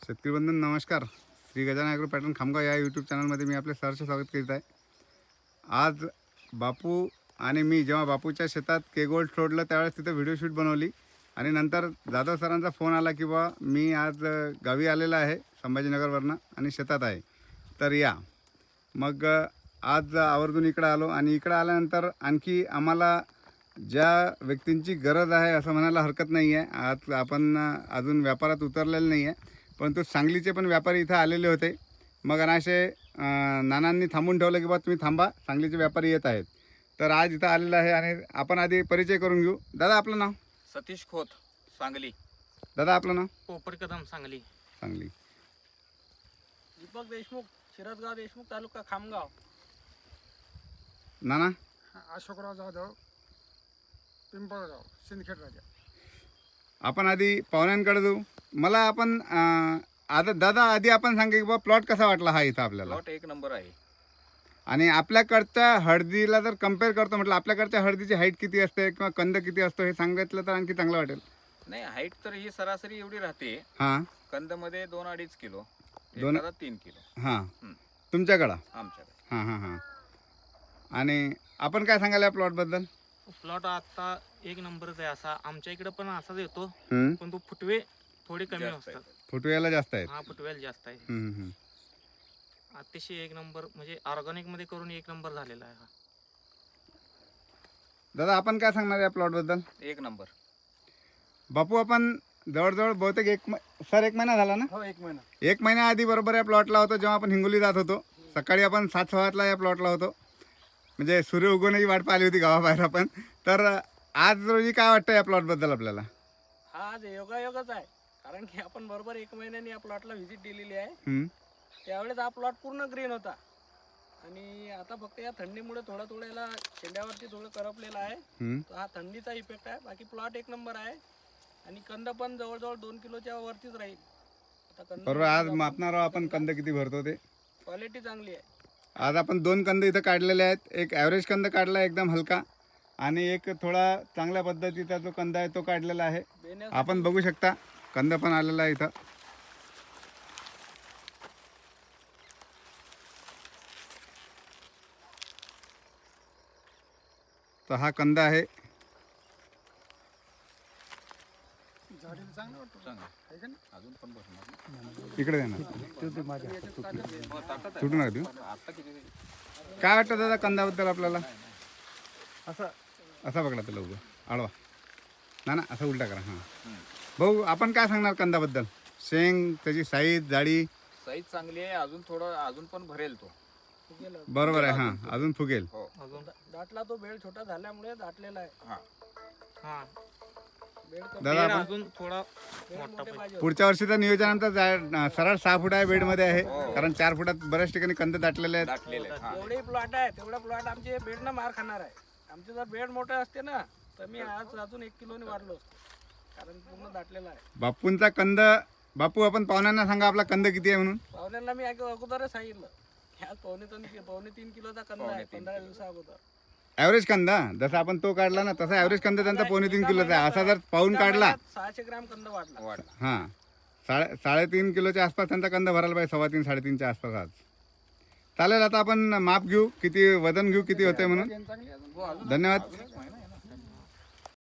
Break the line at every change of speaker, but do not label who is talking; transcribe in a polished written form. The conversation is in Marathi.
शेतकरी बंधू नमस्कार. श्री गजानन ॲग्रो पॅटर्न खामगाव या यूट्यूब चॅनलमध्ये मी आपले सहर्ष स्वागत करीत आहे. आज बापू आणि मी जेव्हा बापूच्या शेतात केगोल्ड सोडलं त्यावेळेस तिथं व्हिडिओ शूट बनवली आणि नंतर जाधव सरांचा फोन आला की बा मी आज गावी आलेला आहे संभाजीनगरवरनं आणि शेतात आहे तर या. मग आज आवर्जून इकडं आलो आणि इकडं आल्यानंतर आणखी आम्हाला ज्या व्यक्तींची गरज आहे असं म्हणायला हरकत नाही आहे. आज आपण अजून व्यापारात उतरलेलं नाही आहे, परंतु सांगलीचे पण व्यापारी इथं आलेले होते. मग अनाशे नानांनी थांबून ठेवलं की बा तुम्ही थांबा, सांगलीचे व्यापारी येत आहेत. तर आज इथं आलेलं आहे आणि आपण आधी परिचय करून घेऊ. दादा आपलं नाव?
सतीश खोत, सांगली.
दादा आपलं नाव?
पोपट कदम, सांगली.
सांगली.
दीपक देशमुख, शिरसगाव देशमुख, तालुका खामगाव.
नाना?
अशोकराव जाधव, पिंपळगाव, सिंदखेड राजा.
आपण आधी पाहुण्यांकडे जाऊ. मला आपण आता दादा आधी आपण सांगा की बा प्लॉट कसा वाटला हा इथं आपल्याला?
प्लॉट एक नंबर आहे.
आणि आपल्याकडच्या हळदीला जर कम्पेअर करतो म्हटलं आपल्याकडच्या हळदीची हाईट किती असते किंवा कंद किती असतो हे सांगितलं तर आणखी चांगलं वाटेल.
नाही, हाईट तर ही सरासरी एवढी राहते.
हां.
कंद मध्ये 2-2.5 किलो, 3 किलो.
हां. तुमच्याकडं?
आमच्याकडे.
हां हां हां. आणि आपण काय सांगाल या प्लॉटबद्दल?
प्लॉट आता एक नंबरच आहे. असा आमच्या इकडे पण असाच येतो,
हम्म.
पण तो फुटवे थोडे कमी
जास्त
असतात.
आहे.
फुटवेला जास्त आहेत.
हा, फुटवेल जास्त आहे.
हम्म, हम्म.
अतिशय एक नंबर, म्हणजे ऑर्गॅनिक मध्ये करून एक नंबर झालेला आहे हा.
दादा आपण काय सांगणार या प्लॉटबद्दल?
एक नंबर.
बापू आपण जवळजवळ बहुतेक एक महिना झाला ना?
हो, एक महिना.
एक महिन्याआधी बरोबर या प्लॉटला होतो जेव्हा आपण हिंगोली जात होतो. सकाळी आपण 7:15 या प्लॉटला होतो, म्हणजे सूर्य उगवण्याची वाट पाहिली होती गावाबाहेर आपण. तर आज रोजी काय वाटतं या प्लॉटबद्दल आपल्याला?
हा आज योगायोगच आहे, कारण की आपण बरोबर एक महिन्याने या प्लॉटला व्हिजिट दिलेली आहे.
हम्म.
त्यावेळेस हा प्लॉट पूर्ण ग्रीन होता आणि आता फक्त या थंडीमुळे थोडं याला शेंड्यावरती थोडं करपलेलं आहे.
हम्म.
तो हा थंडीचा इफेक्ट आहे. बाकी प्लॉट एक नंबर आहे आणि कंद पण जवळजवळ 2 किलोच्या वरतीच राहील. आता कंद
बरोबर. आज मापणार आहोत आपण कंद किती भरतो ते.
क्वालिटी चांगली आहे.
आज आपण 2 कंद इथं काढलेले आहेत. एक ॲव्हरेज कंद काढला एकदम हलका आणि एक थोडा चांगल्या पद्धतीचा जो कंद आहे तो काढलेला आहे.
बेण्यासाठी
आपण बघू शकता कंद पण आलेला आहे इथं. तर हा कंद आहे.
झाडीला चांगलं वाटतं.
चांगलं.
आहे का नाही?
अजून पण बसणार.
इकडे देणार
हो, ताटात आहे.
सुटू नका देऊ.
आता किती?
काय वाटतं दादा कंदाबद्दल आपल्याला?
असं
असा पकडा त्याला उभं आडवा ना ना, असा उलटा करा. हां
हम्म.
भाऊ आपण काय सांगणार कंदाबद्दल? शेंग, त्याची साईज, जाडी?
साईज चांगली आहे. अजून पण भरेल तो.
गेलं.
बरोबर आहे. हां, अजून फुगेल.
हो.
अजून
दाटला तो बेड छोटा झाल्यामुळे दाटलेला आहे.
हा.
हा,
बेड कमी-
दादा
पेड़
आपण
अजून थोडा
बेड
मोठा
मोठे पाहिजे.
पुढच्या वर्षीचं नियोजन आमचं सरळ 6 फूट आहे बेडमध्ये आहे, कारण 4 फुटात बऱ्याच ठिकाणी कंद दाटलेले आहेत.
दाटलेले आहेत. हा.
जेवढे प्लॉट आहे तेवढा प्लॉट आमचे बेडनं मार खाणार आहे. आमचे जर बेड मोठे असते ना तर मी आज अजून 1 किलोने वाढलो असतो, कारण पूर्ण दाटलेला आहे.
बापूंचा कंद. बापू आपण पाहुण्यांना सांगा आपला कंद किती आहे म्हणून.
पाहुण्यांना मी अगोदरच सांगितलं की आज 2.5 किलोचा कंद आहे
2.5
15 दिवसा अगोदर.
ॲव्हरेज कंद जसा आपण तो काढला ना तसा ॲव्हरेज कंद त्यांचा 2.5 किलोचा आहे. असा जर पाहून काढला
600 ग्रॅम कंद वाढला.
वाढला.
हां 3.5 किलोच्या आसपास त्यांचा कंद भरायला पाहिजे. 3.5-3.5च्या आसपास आज चालेल. आता आपण माप घेऊ, किती वजन घेऊ, किती होते म्हणून.
चांगली अजून.
हो, अजून
धन्यवाद.